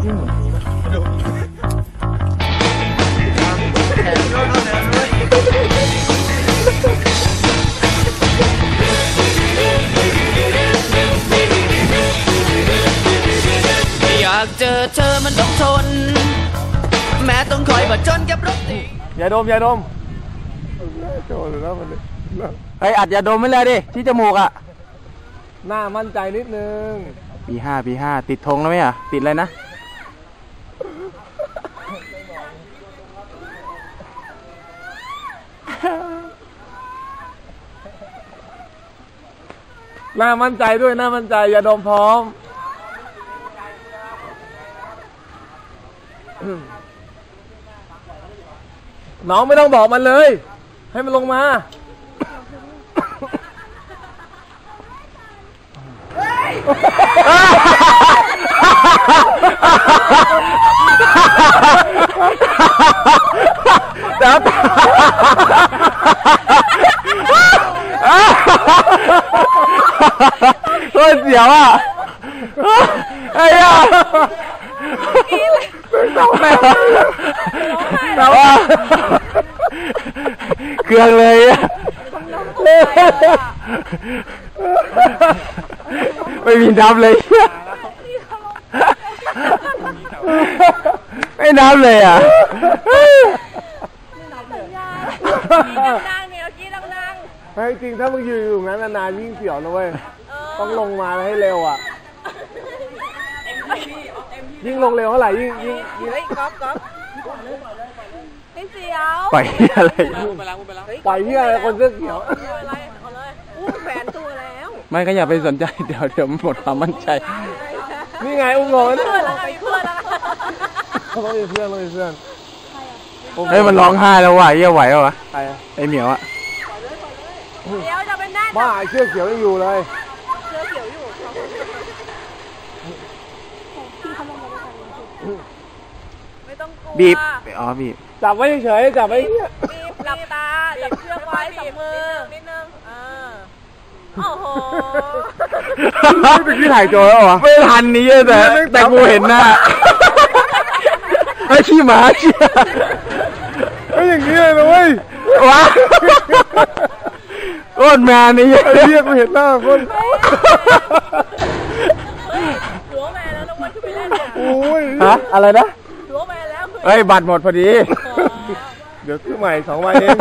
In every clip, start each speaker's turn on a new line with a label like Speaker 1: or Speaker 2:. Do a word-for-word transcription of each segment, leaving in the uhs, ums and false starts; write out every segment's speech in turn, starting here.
Speaker 1: วิ่งเหมือนผีป่ะ
Speaker 2: อยากเจอเธอมันต้องทนแม้ต้องคอยผจญกับรถติด
Speaker 1: อย่าดมอย่าดมโจรแล้วมันเฮ้ยอัดอย่าดมไม่เลยดิที่จมูกอ่ะหน้ามั่นใจนิดนึงปีห้าปีห้าติดธงแล้วไหมอ่ะติดอะไรนะหน้ามั่นใจด้วยหน้ามั่นใจอย่าดมพร้อมน้องไม่ต้องบอกมันเลยให้มันลงมาเดี๋ยวโคตรเสียวอ่ะไอ้ย่าแต่ว่าเครื่องเลยไม่มีน้ำเลยไม่น้ำเลยอ่ะดังๆเนี่ยกี้ดังๆให้จริงถ้ามึงอยู่อยู่งั้นนานๆยิ่งเสียวนะเว้ยต้องลงมาให้เร็วอ่ะยิ่งลงเร็วเท่าไหร่ยิ่งยิ่งยิ่งก๊อฟก๊อฟไม่เสียวปล่อยอะไรปล่อยที่อะไรคนเสื้อเขียวอะไรเอาเลยอู้แฝนตัวแล้วไม่ก็อย่าไปสนใจเดี๋ยวเดี๋ยวหมดความมั่นใจนี่ไงอุ้งงงนี่เพื่อนแล้วเพื่อนแล้วเขาต้องมีเพื่อนต้องมีเพื่อนเฮ้ยมันร้องไห้แล้วว่ะเยี่ยไหววะใครไอเหมียวอะเดี๋ยวจะเป็นแน่บ้าเสื้อเขียวยังอยู่เลยเสื้อเขียวอยู่ไม่ต้องกลัวบีบอ๋อบีบจับไว้เฉยจับไว้บีบหลับตาจับเชือกไว้สองมือนิดนึงเออโอ้โหไม่ถ่ายโจแล้วเหรอไม่ทันนี้แต่แต่กูเห็นหน้าไอ้ขี้หมาเชี่ยไอ้อย่างนี้เลยนะเว้ยวะโคตรแมนนี่ไอ้เรียกกูเห็นหน้าคนหัวแมนแล้วน้องวันขึ้นไปเล่นเนี่ยโอ้ยฮะอะไรนะหัวแมนแล้วเฮ้ยบัตรหมดพอดีเดี๋ยวซื้อใหม่สองใบเอง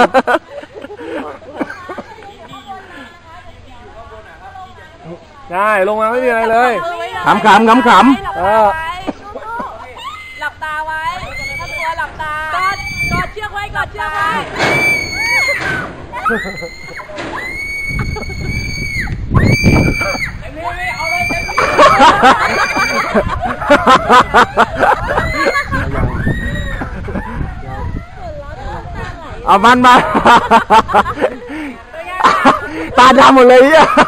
Speaker 1: ใช่ลงมาไม่มีอะไรเลยขำขำขำขำเออหลับตาไว้ถ้าตัวหลับตากอดกอดเชือกไว้กอดเชือกไว้เอาเลยเต็มที่เอามันมาตาดำหมดเลยอ่ะ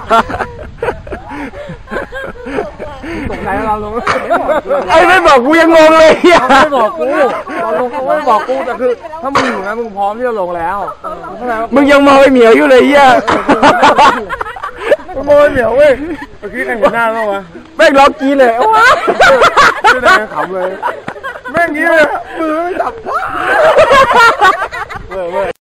Speaker 1: ตกใจเราลงไอ้ไม่บอกกูยังงงเลยอ่ะไม่บอกกูเราลงเขาไม่บอกกูแต่คือถ้ามึงอยู่นะมึงพร้อมที่จะลงแล้วมึงยังมองไอ้เหมียวอยู่เลยอ่ะมึงมองไอ้เหมียวเว้ยเมื่อกี้ใครเห็นหน้าเราวะแม่งร้องกี้เลยว้าไม่ได้ขำเลยแม่งงี้เลยมือไม่จับเว้ยเว้ย